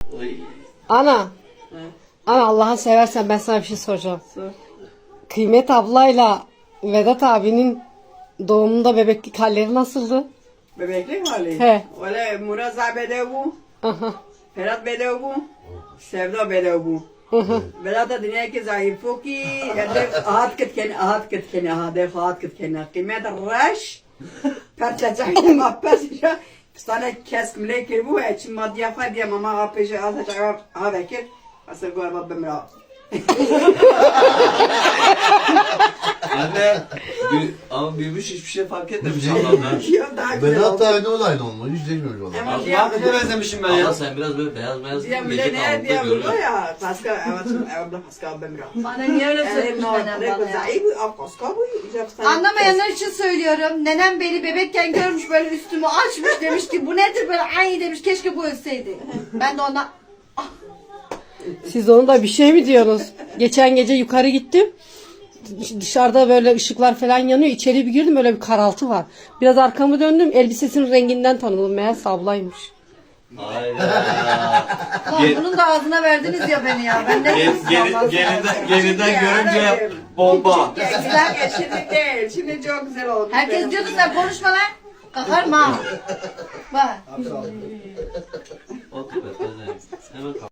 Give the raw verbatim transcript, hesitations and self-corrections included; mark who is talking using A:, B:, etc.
A: Oy.
B: Ana.
C: He.
B: Ana Allah'ını seversen ben sana bir şey soracağım.
C: Sor.
B: Kıymet ablayla Vedat abinin doğumunda bebeklik halleri nasıldı?
C: Bebeklik hali.
B: He.
C: Öyle Muraza bedev bu.
B: Aha.
C: Ferhat bedev bu. Sevda bedev bu. Vedat da dünya ki zayıfı ki edef ahat kitkeni ahat kitkeni ahadef ahat kitkeni kıymet raş parçacak apes ya sana kesmle kir bu için maddiye faydiye mama apes azıcık ha bekir asıl galiba bemra.
A: Anne bir, ama büyümüş hiçbir şey fark etmemiş Allah'tan.
C: Ya daha güzel
D: Berat
C: oldu.
D: da aynı olaydı onunla. Hiç değişmemiş valla.
C: Ama
A: Allah
C: diye
A: ne benzemişim ben ya.
E: Ama sen biraz böyle beyaz beyaz
C: diye
E: gece
C: bile ne
E: karanlıkta
C: diye burada
E: görüyorsun.
C: ya paska evet evet paska bemra.
F: Bana niye öyle
C: Evet
F: söylemiş
C: no
F: nenem
C: ne
F: bana ya?
C: güzel bu apaska bu icap
F: Anlamayanlar için söylüyorum. Nenem beni bebekken görmüş böyle üstümü açmış demiş ki bu nedir böyle ay demiş keşke bu ölseydi. Ben de ona
B: Siz onu da bir şey mi diyorsunuz? Geçen gece yukarı gittim. Dışarıda böyle ışıklar falan yanıyor. İçeri bir girdim öyle bir karaltı var. Biraz arkamı döndüm. Elbisesinin renginden tanıdım. Meğerse ablaymış.
A: Aynen.
F: Lan bunun da ağzına verdiniz ya beni ya. Ben ne
A: Gel,
F: dedim
A: geri,
F: Allah
A: geriden, geriden görünce bomba.
C: Güzel şimdi değil. Şimdi çok güzel oldu.
F: Herkes diyordu sen konuşma lan. Kakarma. Bak.
A: Otur be, hemen